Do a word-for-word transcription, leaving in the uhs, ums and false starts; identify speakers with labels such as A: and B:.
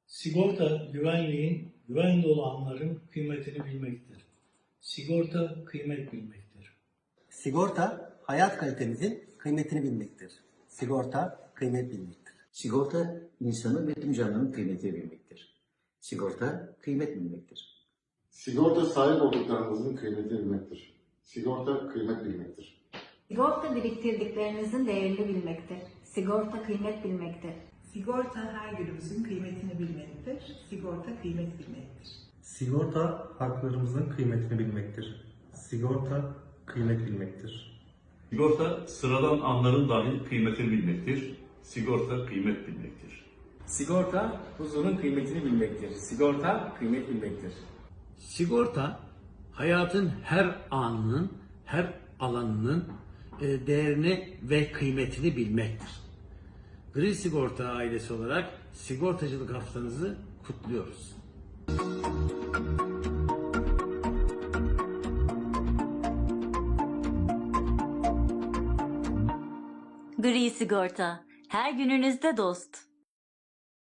A: Sigorta, güvenliğin, güven dolu anların kıymetini bilmektir. Sigorta, kıymet bilmektir.
B: Sigorta, hayat kalitemizin kıymetini bilmektir. Sigorta, kıymet bilmektir.
C: Sigorta, insanın ve tüm canlının kıymetini bilmektir. Sigorta, kıymet bilmektir.
D: Sigorta sahip olduklarınızın kıymetini bilmektir. Sigorta kıymet bilmektir.
E: Sigorta biriktirdiklerinizin değerini bilmektir. Sigorta kıymet bilmektir.
F: Sigorta her günümüzün kıymetini bilmektir. Sigorta kıymet bilmektir.
G: Sigorta haklarımızın kıymetini bilmektir. Sigorta kıymet bilmektir.
H: Sigorta sıradan anların dahi kıymetini bilmektir. Sigorta kıymet bilmektir.
I: Sigorta huzurun kıymetini bilmektir. Sigorta kıymet bilmektir.
J: Sigorta hayatın her anının, her alanının e, değerini ve kıymetini bilmektir. Gri Sigorta ailesi olarak sigortacılık haftanızı kutluyoruz.
K: Gri Sigorta, her gününüzde dost.